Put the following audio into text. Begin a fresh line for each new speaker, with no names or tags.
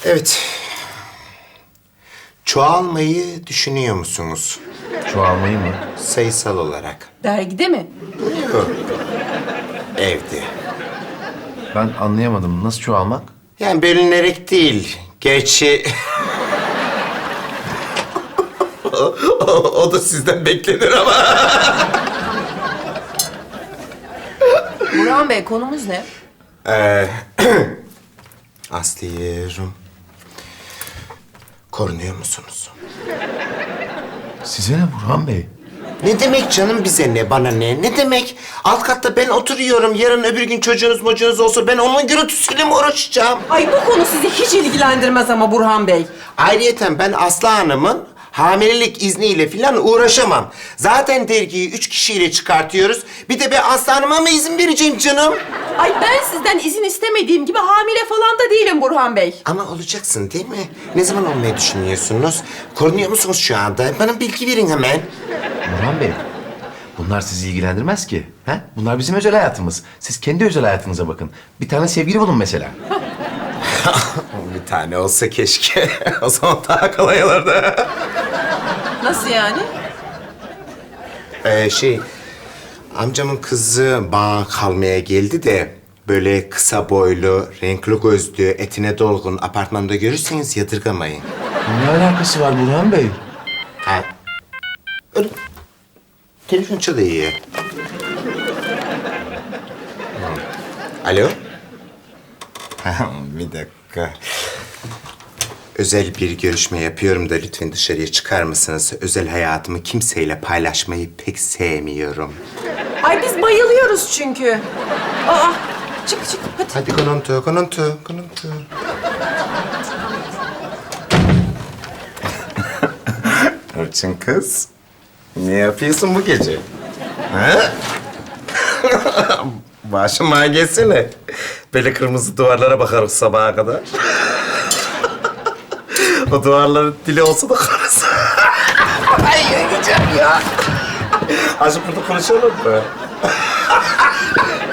Evet. Çoğalmayı düşünüyor musunuz?
Çoğalmayı mı?
Sayısal olarak.
Dergide mi?
Yok. Evde.
Ben anlayamadım. Nasıl çoğalmak?
Yani bölünerek değil. Gerçi... o da sizden beklenir ama.
Burhan Bey, konumuz ne?
Aslı'yım. Korunuyor musunuz?
Size ne Burhan Bey?
Ne demek canım bize ne, bana ne? Ne demek? Alt katta ben oturuyorum. Yarın öbür gün çocuğunuz olsa ben onun gürültüsüyle mi uğraşacağım?
Ay bu konu sizi hiç ilgilendirmez ama Burhan Bey.
Ayrıyeten ben Aslı Hanım'ın hamilelik izniyle falan uğraşamam. Zaten dergiyi 3 kişiyle çıkartıyoruz. Bir de ben Aslı Hanım'a mı izin vereceğim canım?
Ay ben sizden izin istemediğim gibi hamile falan da değilim Burhan Bey.
Ama olacaksın değil mi? Ne zaman olmayı düşünüyorsunuz? Korunuyor musunuz şu anda? Bana bilgi verin hemen.
Burhan Bey, bunlar sizi ilgilendirmez ki. He? Bunlar bizim özel hayatımız. Siz kendi özel hayatınıza bakın. Bir tane sevgili bulun mesela.
Bir tane olsa keşke. O zaman daha kolay olurdu.
Nasıl yani?
Amcamın kızı bana kalmaya geldi de... ...böyle kısa boylu, renkli gözlü, etine dolgun apartmanda görürseniz yadırgamayın.
Ne alakası var Burhan Bey?
Ha. Öyle. Telefon çalıyor. Alo? Bir dakika. Özel bir görüşme yapıyorum da lütfen dışarıya çıkar mısınız? Özel hayatımı kimseyle paylaşmayı pek sevmiyorum.
Ay biz bayılıyoruz çünkü. Aa, çık hadi.
Hadi konuntu. Orçun kız, ne yapıyorsun bu gece? Ha? Başıma gelsene. Böyle kırmızı duvarlara bakarız sabaha kadar. O duvarların dili olsa da karısı. Ay yiyeceğim ya. Azıcık burada konuşalım mı?